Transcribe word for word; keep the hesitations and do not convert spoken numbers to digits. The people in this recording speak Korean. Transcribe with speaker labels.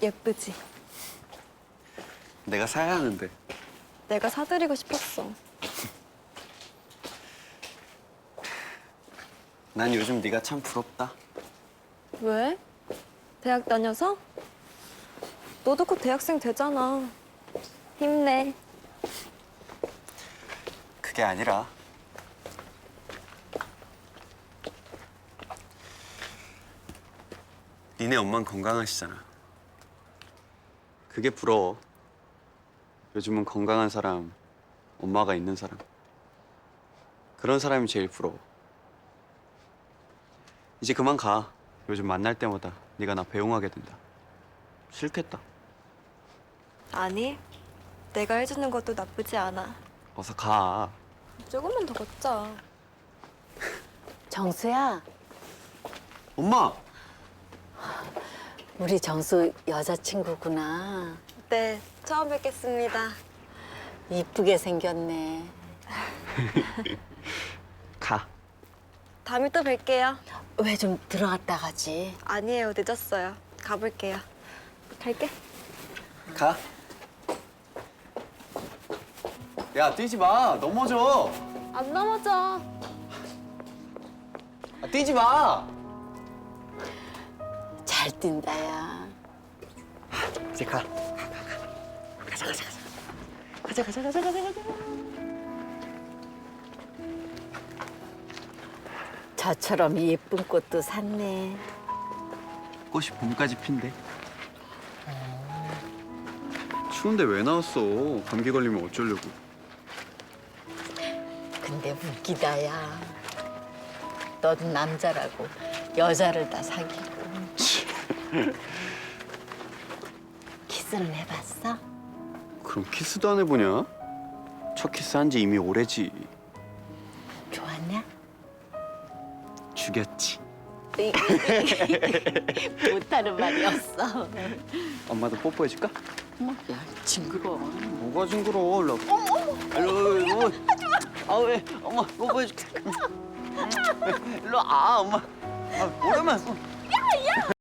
Speaker 1: 예쁘지?
Speaker 2: 내가 사야 하는데.
Speaker 1: 내가 사드리고 싶었어.
Speaker 2: 난 요즘 네가 참 부럽다.
Speaker 1: 왜? 대학 다녀서? 너도 곧 대학생 되잖아. 힘내.
Speaker 2: 그게 아니라 니네 엄마는 건강하시잖아. 그게 부러워. 요즘은 건강한 사람, 엄마가 있는 사람. 그런 사람이 제일 부러워. 이제 그만 가. 요즘 만날 때마다 네가 나 배웅하게 된다. 싫겠다.
Speaker 1: 아니, 내가 해주는 것도 나쁘지 않아.
Speaker 2: 어서 가.
Speaker 1: 조금만 더 걷자.
Speaker 3: 정수야,
Speaker 2: 엄마!
Speaker 3: 우리 정수 여자친구구나.
Speaker 1: 네, 처음 뵙겠습니다.
Speaker 3: 이쁘게 생겼네.
Speaker 2: 가.
Speaker 1: 다음에 또 뵐게요.
Speaker 3: 왜 좀 들어갔다 가지?
Speaker 1: 아니에요, 늦었어요. 가볼게요. 갈게.
Speaker 2: 가. 야, 뛰지 마. 넘어져.
Speaker 1: 안 넘어져.
Speaker 2: 아, 뛰지 마.
Speaker 3: 잘 뛴다, 야.
Speaker 2: 이제 가. 가, 가, 가. 가자, 가자, 가자. 가자, 가자, 가자, 가자, 가자.
Speaker 3: 저처럼 예쁜 꽃도 샀네.
Speaker 2: 꽃이 봄까지 핀대. 추운데 왜 나왔어? 감기 걸리면 어쩌려고.
Speaker 3: 근데 웃기다, 야. 너도 남자라고 여자를 다 사귀고. 키스는 해봤어?
Speaker 2: 그럼 키스도 안 해보냐? 첫 키스 한 지 이미 오래지.
Speaker 3: 좋았냐?
Speaker 2: 죽였지.
Speaker 3: 못하는 말이 없어.
Speaker 2: 엄마도 뽀뽀해줄까?
Speaker 3: 어머, 야, 징그러워.
Speaker 2: 뭐가 징그러워? 일로 와봐. 어머, 어머. 일로 와. 하지마. 아, 왜? 엄마 뽀뽀해줄게. 일로 와. 아, 엄마. 아, 오랜만.